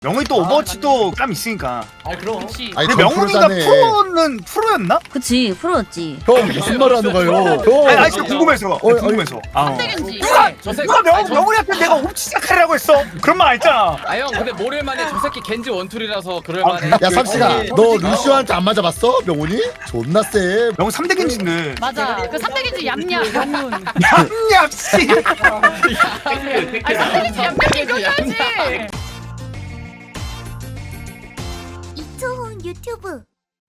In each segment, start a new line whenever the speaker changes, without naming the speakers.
명훈이 또 오버워치도 땀 있으니까.
아 그럼.
그렇지.
아니
근데 명훈이가 프로였나?
그치 프로였지.
형 무슨 말 하는 거예요?
아니 진짜 궁금해서. 궁금해서.
선택인지.
누가 명훈이한테 내가 옵치 시작하라고 했어? 그런 말 안 했잖아.
아 형 근데 모를만해. 저 새끼 겐지 원툴이라서 그럴만해.
야 삼시가 너 루시오한테 안 맞아봤어? 명훈이? 존나 쎄.
명훈 3대 겐지인데.
맞아. 그 3대긴지 얌얌 명훈.
얌얌 씨.
아니 3대긴지 얌얌이 그거야지.
이초훈 유튜브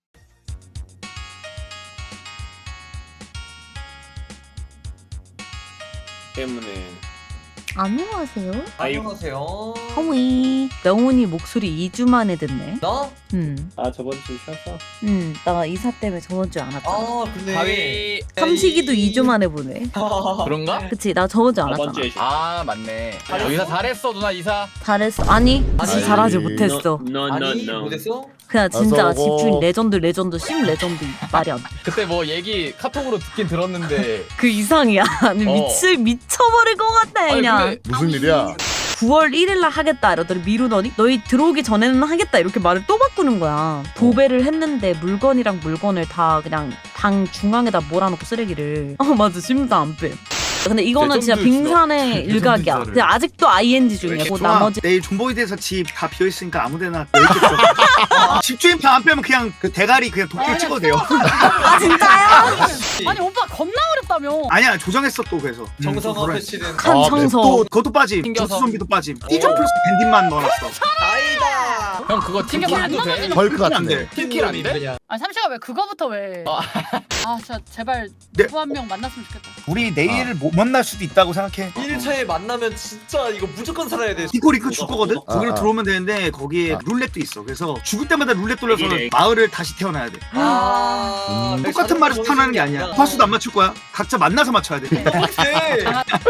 때문에.
안녕하세요.
안녕하세요.
허무이. 명훈이 목소리 2주 만에 듣네.
나?
아 저번 주 쉬었어.
나 이사 때문에 저번 주에 안 왔잖아.
아 근데.
가위.
삼식이도 2주 만에 보네.
그런가?
그치 나 저번 주에 안
저번
왔잖아.
주에
아 맞네. 이사 잘했어 누나 이사.
잘했어. 아니 진짜
아니,
잘하지 못했어.
아니 못했어?
그냥 진짜
어서 오고.
집주인 레전드 심 레전드 말이 안 돼.
그때 뭐 얘기 카톡으로 듣긴 들었는데.
그 이상이야. 아니, 미쳐버릴 것 같아
아니,
그냥.
근데
무슨 일이야?
9월 1일날 하겠다 이러더니 미루더니 너희 들어오기 전에는 하겠다 이렇게 말을 또 바꾸는 거야. 도배를 했는데 물건이랑 물건을 다 그냥 방 중앙에다 몰아놓고 쓰레기를. 맞아 심사 안 빼. 근데 이거는 진짜
레전드
빙산의 일각이야. 근데 아직도 ING 중이고 나머지
내일 존보이드에서 집 다 비어있으니까 아무데나 있겠죠. 집주인 방 안 빼면 그냥 그 대가리 그냥 도끼 찍어도 돼요.
아 진짜요?
아니 오빠 겁나 어렵다며.
아니야 조정했어 또 그래서.
정성화 패치는.
한 청소.
또 그것도 빠짐.
튕겨서.
조수 좀비도 빠짐. 띠좀 플러스 밴딧만 넣어놨어.
아이다.
형 그거 팀킬도 돼?
벌크
안
같은데.
돼.
팀킬 아닌데?
아니 삼시가 왜 그거부터 왜? 아 진짜 제발
네.
누구 한 명 만났으면 좋겠다.
우리 내일 못 만날 수도 있다고 생각해.
1차에 만나면 진짜 이거 무조건 살아야 돼.
이거 줄 거거든?
아,
거기로
아.
들어오면 되는데 거기에 룰렛도 있어. 그래서 죽을 때마다 룰렛 돌려서
이게-
마을을 다시 태어나야 돼.
아.
똑같은 말에서 태어나는 게 아니야. 화수도 안 맞출 거야. 각자 만나서 맞춰야 돼.
오케이.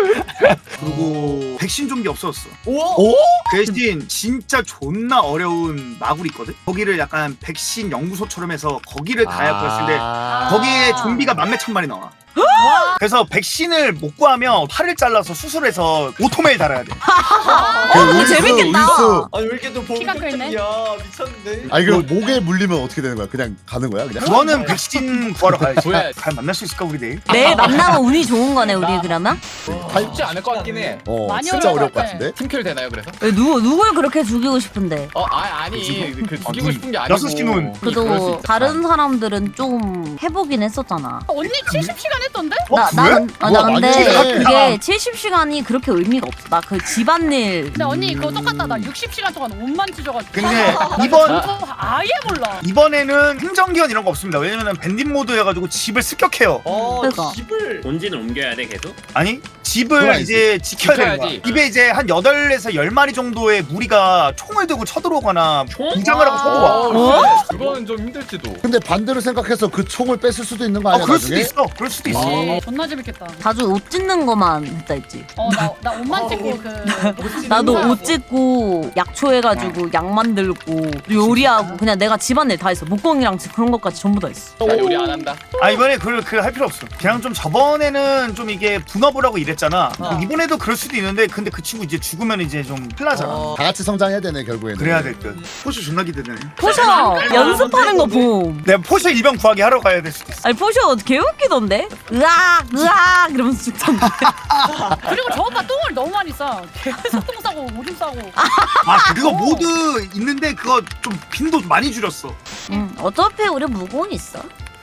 그리고 백신 좀비 없어졌어.
오?
대신 진짜 존나 어려운 마굴이 있거든? 거기를 약간 백신 연구소처럼 해서 거기를 가야 보였는데 거기에 좀비가 만몇 천 마리 나와. 그래서 백신을 못 구하면 팔을 잘라서 수술해서 오토메일 달아야 돼.
이거 재밌겠다.
아니 왜 이렇게 또
키가 크네.
본격적이야. 미쳤는데.
아니 그럼 목에 물리면 어떻게 되는 거야? 그냥 가는 거야? 그냥?
그거는 백신 구하러 가야지.
구해야지.
잘 만날 수 있을까 우리 내일?
내일 만나면 운이 좋은 거네 우리 그러면?
쉽지 않을 것 같긴 해.
많이
진짜
어려울
어려울
것
것
같아.
같은데?
팀킬 되나요 그래서?
왜 누굴 그렇게 죽이고 싶은데?
아니 그 죽이고
눈.
싶은 게 아니고.
여섯 시 눈.
그럴 수
그래도
있다.
다른 사람들은 좀 해보긴 했었잖아.
언니 70시간 했던데?
나 근데
많이
그게 70시간이 그렇게 의미가 없어. 나 그 집안일.
근데 언니 그거 똑같다. 나 60시간 동안 옷만 찢어가지고.
근데 이번
아예 몰라.
이번에는 행정기원 이런 거 없습니다. 왜냐면은 밴딧 모드여가지고 집을 습격해요.
그러니까.
집을.
본진을 옮겨야 돼 계속.
아니 집을
그래야지.
이제 지켜야 되는 거야.
지켜야지.
입에 이제 한 8에서 10마리 정도의 무리가 총을 들고 쳐들어오거나 무장을 하고 쳐들어와.
그거는 좀 힘들지도.
근데 반대로 생각해서 그 총을 뺐을 수도 있는 거 아니야?
그럴 수도
나중에?
있어. 그럴 수도 있어.
존나 재밌겠다.
자주 옷 찢는 거만 했다 했지.
나 옷만 찍고 그.
나도 옷 찢고 약초 해가지고 약 만들고 요리하고 그냥 내가 집안일 다 했어. 목공이랑 그런 것까지 전부 다 했어.
나 요리 안 한다.
아 이번에 그걸 할 필요 없어. 그냥 좀 저번에는 좀 이게 분업을 하고 이랬잖아. 이번에도 그럴 수도 있는데 근데 그 친구 이제 죽으면 이제 좀 큰일 나잖아.
다 같이 성장해야 되네 결국에는.
그래야 될 듯. 포쇼 존나 기대되네.
포셔 연습하는 거 봄.
내가 포쇼 일병 구하기 하러 가야 될 수도 있어.
아니 포셔 개웃기던데? 으악 이러면서 죽던데.
그리고 저 오빠 똥을 너무 많이 싸. 계속 똥 싸고 오줌 싸고.
아 그거 모드 있는데 그거 좀 빈도 많이 줄였어.
어차피 우리 무공 있어.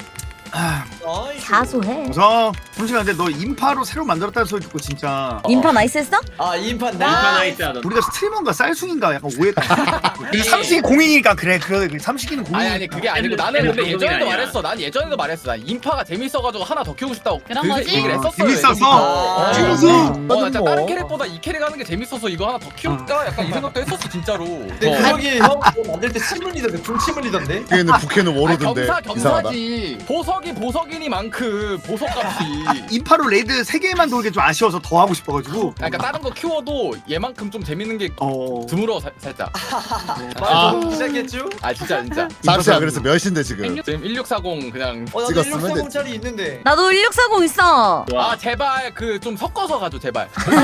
사소해.
우선 잠시만 근데 너 인파로 새로 만들었다는 소리 듣고 진짜
인파 나이스 했어?
아 인판
인파 나이스야 너.
우리가 스트리머인가 쌀숭인가 약간 오해했다. 삼식이 공인이니까 그래 삼식이는 공인.
아니 그게 아니고 나는 근데
그게
예전에도
아니야.
말했어. 난 예전에도 말했어. 난 인파가 재밌어가지고 하나 더 키우고 싶다고
그런
그
거지?
얘기를 했었어.
재밌어서?
재밌어.
나 진짜
뭐.
다른 캐릭보다 이 캐릭 하는 게 재밌어서 이거 하나 더 키울까? 약간 이 생각도 했었어 진짜로.
근데 구석이 형 그거 만들 때 침 흘리던데 불침 흘리던데.
북에는
아니,
워로드인데
경사
이상하다.
경사지. 보석이 보석이니만큼 보석값이.
인파로 레이드 3개만 돌게 좀 아쉬워서 더 하고 싶어가지고.
그러니까 다른 거 키워도 얘만큼 좀 재밌는 게 드물어 살짝.
말 시작했죠?
아 진짜.
삼시야 그래서 몇인데 지금?
지금 1640 그냥.
나도
찍었으면
1630짜리 있는데.
나도 1640 있어.
아 제발 그 좀 섞어서 가줘 제발.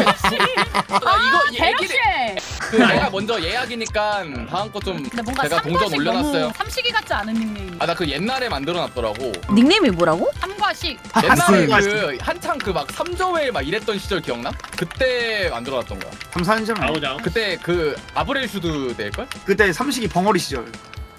이거
대역시.
그 내가 먼저 예약이니까 다음 거 좀
근데 뭔가
제가 동전
삼과식
올려놨어요.
너무 삼식이 같지 않은 닉네임.
아 나 그 옛날에 만들어놨더라고.
닉네임이 뭐라고?
삼과식.
옛날에
무슨
그 한창 그 막 3저웨이 막 이랬던 시절 기억나? 그때 만들어놨던 거야.
3, 4년 전에.
나오자.
그때 그 아브렐슈드 될걸?
그때 삼식이 벙어리 시절.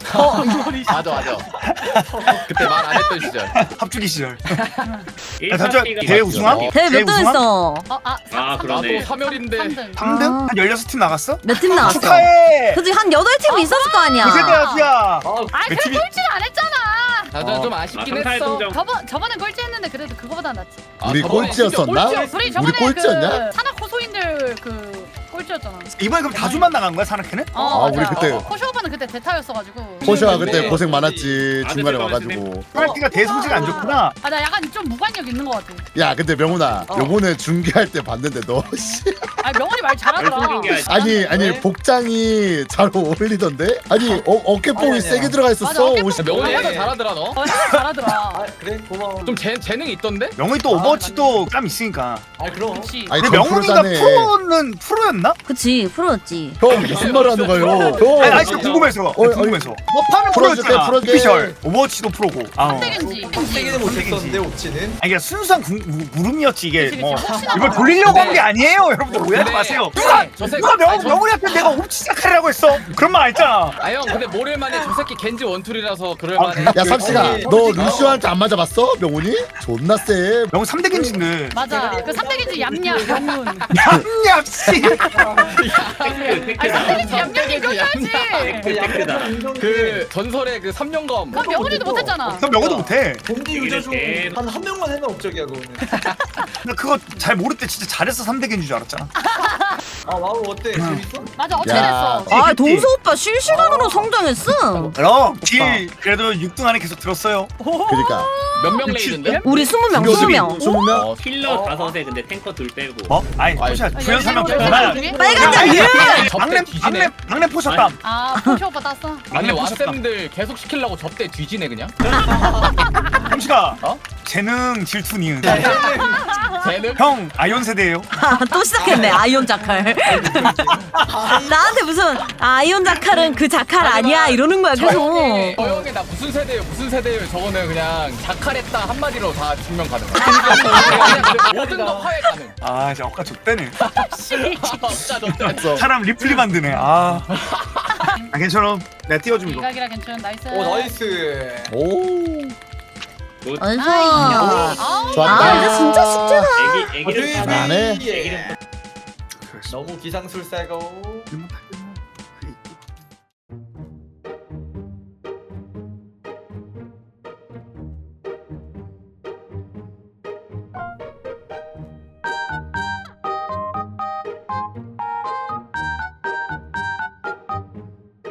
맞아. 그때 말 안 했던 시절.
합주기 시절.
1파티가
대회 우승함?
대회
대회
몇 등
우승함?
했어?
아
나도
그러네.
3열인데
3등.
3등?
아.
한 16팀 나갔어?
몇 팀 나왔어?
축하해!
그치 한 8팀이 있었을 거 아니야.
고세대야 수야.
아,
아이
그
그래
팀이-
꼴찌는 안 했잖아.
나도 좀 아쉽긴
삼팔
했어.
동정.
저번에 꼴찌 했는데 그래도 그거보다 낫지.
아,
우리
저번에
꼴찌였었나?
심지어 꼴찌였어.
우리 저번에
꼴찌였냐?
그 산악 호소인들 그 꼴찌였잖아.
이번에 그럼 다주만 나간 거야 산악회는?
어,
우리
맞아.
그때-
호쇼 오빠는 그때 대타였어가지고.
호시아
네.
그때 고생 많았지.
아,
중간에
네,
와가지고.
프라이티가 대성지가 안 좋구나.
아 나 약간 좀 무관력 있는 것 같아.
야 근데 명훈아 요번에 중계할 때 봤는데 너 씨.
아 명언이 말 잘하더라.
아니 복장이 잘 어울리던데? 아니 어깨뽕이
아니,
세게
아니야.
들어가
맞아,
있었어.
어깨뽕
옷이.
명훈이
네.
해서 잘하더라 너.
잘하더라.
아 그래 고마워.
좀 재능이 있던데?
명훈이 또 오버워치도 땀 있으니까.
아 그럼.
그렇지.
아니
근데
전
명훈이가
프로자네.
프로는 프로였나?
그치 프로였지.
형 무슨 말을 하는 거예요?
아니
형.
진짜 궁금해서.
어이,
궁금해서. 버파는
풀어줄게,
프로였잖아.
풀어줄게.
오피셜. 오버워치도 프로고.
깜짝인지.
세게는 못했었는데 옵치는.
아니 이게 순수한 물음이었지 이게.
그치,
뭐
혹시나
이걸
몰라.
돌리려고 한 게 아니에요, 여러분들 오해하지
근데-
마세요.
저 새끼
누가
아니, 저-
명훈이한테 내가 옵치 시작하라고 했어? 그런 말 알잖아.
아 형 근데 모를만해 저 새끼 겐지 원툴이라서
아,
그럴만해.
야 삼시가
아니,
너 루시오한테 안 맞아봤어? 명훈이? 존나 세.
명훈 3대 겐지인데.
맞아. 그 3대기지 얌얌 명훈.
얌얌 씨.
아니 3대기지 얌얌이 껴야지.
그 전설의 그 3년검.
그럼 명훈이도 못했잖아.
그럼 명훈도 못해.
겐지 유저 중 한 명만 해면 업적이야 그거는.
나 그거 잘 모를 때 진짜 잘해서 3대 겐지인 줄 알았잖아.
아 와우 어때? 재밌어?
맞아 어떻게
야.
됐어.
아 동서 오빠 실시간으로 성장했어.
그럼 길 그래도 6등 안에 계속 들었어요.
그러니까.
몇 명 레이드인데?
우리 20명 20명.
20명?
힐러 5에 근데 탱커 2 빼고.
뭐? 아니
아니,
포샷
아,
주연 3명
열명
빼고나.
중에?
빨간장 유.
박냄
뒤지네.
박냄 포셨담.
아 포쇼 오빠 땄어.
아니
포셨담.
왓쌤들 계속 시키려고 접대 뒤지네 그냥.
함시가
어?
재능 질투 니은.
쟤는
형 아이온 세대예요.
또 시작했네 아이온 자칼. 나한테 무슨 아이온 자칼은 그 자칼 아니야 이러는 거야
저
계속.
형이 나 무슨 세대예요 저거는 그냥 자칼했다 한마디로 다 증명 가능. 모든 거 화해 가능.
아 진짜 억까 좆대네.
진짜 좋다.
사람 리플리 만드네. 아 괜찮아. 내가 띄워줌 이거.
이각이라 괜찮 나이스.
오 나이스.
오.
어이구.
아우.
좋았다.
아 이제 진짜 숙제다.
애기를
안 해?
애기를
너무 기상술사고.